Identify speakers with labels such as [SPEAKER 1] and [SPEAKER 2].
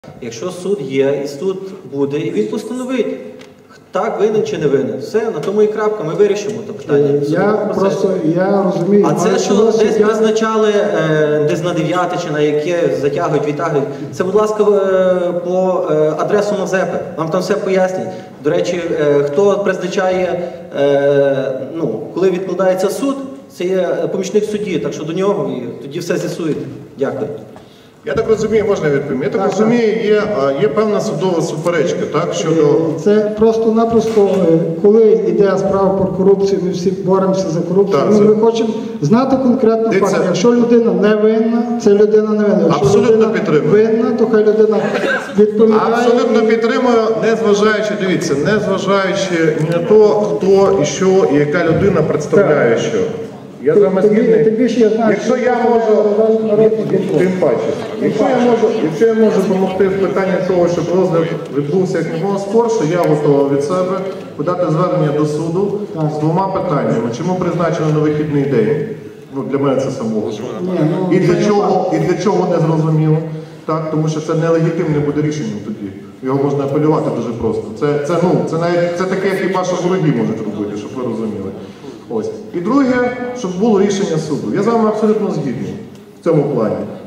[SPEAKER 1] Якщо суд є, і суд буде, і він постановить, так, винен чи не винен. Все, на тому і крапка, ми вирішимо це питання.
[SPEAKER 2] Я розумію.
[SPEAKER 1] А це, що десь призначали, десь на 9 чи на яке затягують, відтягують, це, будь ласка, по адресу Мазепи, вам там все пояснять. До речі, хто призначає, коли відкладається суд, це є помічник судді, так що до нього і тоді все з'ясуєте. Дякую.
[SPEAKER 3] Я так розумію, можна відповім? Я так розумію, є певна судова суперечка, так, щодо...
[SPEAKER 2] Це просто-напросто, коли йде справа про корупцію, ми всі боремося за корупцію, ми хочемо знати конкретно факт. Якщо людина не винна, це людина не винна. Якщо
[SPEAKER 3] абсолютно підтримую.
[SPEAKER 2] Винна, то хай людина відповідає.
[SPEAKER 3] Абсолютно підтримую, незважаючи, дивіться, незважаючи ні на то, хто і що, і яка людина представляє що. Я з вами згідний. Якщо я можу, тим паче, якщо я можу допомогти в питанні того, щоб розгляд відбувся як ніколи скорше, я готовий від себе подати звернення до суду з двома питаннями. Чому призначено на вихідний день? Для мене це самого. І для чого не зрозуміло. Так, тому що це нелегітимне буде рішенням тоді. Його можна апелювати дуже просто. Це таке, хіба що вороги можуть робити, щоб ви розуміли. Ось. І друге, щоб було рішення суду. Я з вами абсолютно згідний в цьому плані.